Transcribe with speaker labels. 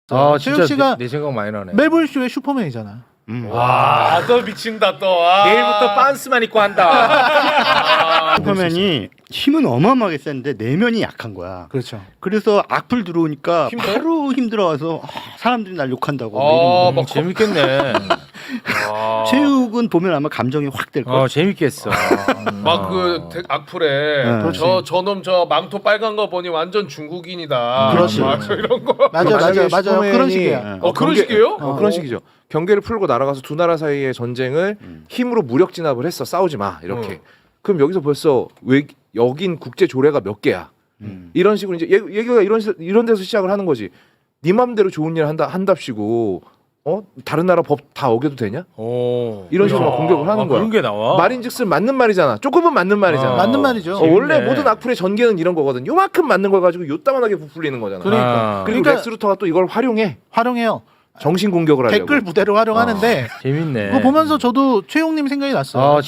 Speaker 1: 아
Speaker 2: 최욱
Speaker 1: 진짜
Speaker 2: 씨가
Speaker 1: 내 생각 많이 나네.
Speaker 2: 매불쇼의 슈퍼맨이잖아.
Speaker 1: 와,
Speaker 3: 또 미친다 또. 아.
Speaker 1: 내일부터 빤스만 입고 한다.
Speaker 4: 슈퍼맨이 힘은 어마어마하게 센데 내면이 약한 거야.
Speaker 2: 그렇죠.
Speaker 4: 그래서 악플 들어오니까
Speaker 3: 힘들어?
Speaker 4: 바로 힘들어와서 사람들이 날 욕한다고.
Speaker 3: 아,
Speaker 4: 막
Speaker 3: 막
Speaker 1: 재밌겠네.
Speaker 4: 체육은 보면 아마 감정이 확 될 거야.
Speaker 1: 재밌겠어.
Speaker 3: 막그 악플에
Speaker 4: 네.
Speaker 3: 저놈 저 망토 빨간 거 보니 완전 중국인이다.
Speaker 2: 그렇지.
Speaker 3: 막 이런 거.
Speaker 2: 맞아
Speaker 5: 만약에
Speaker 2: 맞아 맞아 그런
Speaker 5: 슈퍼맨이-
Speaker 2: 식이야.
Speaker 3: 그런 식이에요?
Speaker 5: 그런 식이죠. 경계를 풀고 날아가서 두 나라 사이의 전쟁을 힘으로 무력 진압을 했어. 싸우지 마. 이렇게. 그럼 여기서 벌써 여긴 국제 조례가 몇 개야. 이런 식으로 이제 얘기가 이런 데서 시작을 하는 거지. 네 맘대로 좋은 일 한답시고 다른 나라 법 다 어겨도 되냐? 이런 식으로 막 공격을 하는 거야.
Speaker 1: 그런 게 나와.
Speaker 5: 말인즉슨 맞는 말이잖아. 조금은 맞는 말이잖아.
Speaker 2: 맞는 말이죠.
Speaker 5: 원래
Speaker 1: 재밌네.
Speaker 5: 모든 악플의 전개는 이런 거거든. 요만큼 맞는 걸 가지고 요따만하게 부풀리는 거잖아.
Speaker 2: 그러니까.
Speaker 5: 그리고
Speaker 2: 그러니까-
Speaker 5: 렉스 루터가 또 이걸 활용해요. 정신 공격을 하려고.
Speaker 2: 댓글 부대로 활용하는데
Speaker 1: 재밌네.
Speaker 2: 그거 보면서 저도 최용님 생각이 났어요.